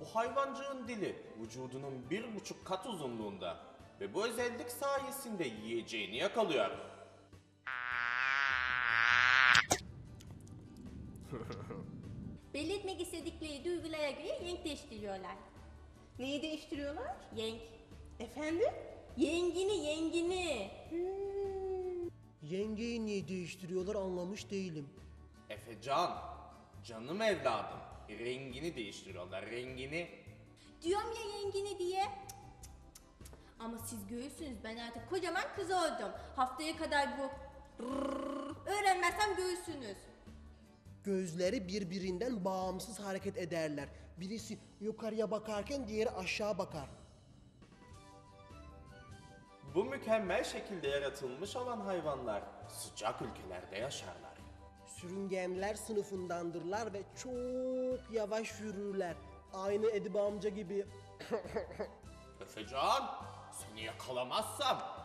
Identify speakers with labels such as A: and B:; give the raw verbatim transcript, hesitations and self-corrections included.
A: hayvancığın dili vücudunun bir buçuk kat uzunluğunda ve bu özellik sayesinde yiyeceğini yakalıyor.
B: Belli etmek istedikleri duygulara göre renk değiştiriyorlar.
C: Neyi değiştiriyorlar?
B: Yenk.
C: Efendim?
B: Yengini, yengini.
D: Yengeyi niye değiştiriyorlar anlamış değilim.
A: Efecan, canım evladım, rengini değiştiriyorlar, rengini.
B: Diyorum ya yengini diye. Cık, cık, cık, cık. Ama siz görürsünüz, ben artık kocaman kız oldum. Haftaya kadar bu rrrr öğrenmezsem görürsünüz.
D: Gözleri birbirinden bağımsız hareket ederler. Birisi yukarıya bakarken diğeri aşağı bakar.
A: Bu mükemmel şekilde yaratılmış olan hayvanlar sıcak ülkelerde yaşarlar.
D: Sürüngenler sınıfındandırlar ve çok yavaş yürürler. Aynı Edip amca gibi.
A: Efecan, seni yakalamazsam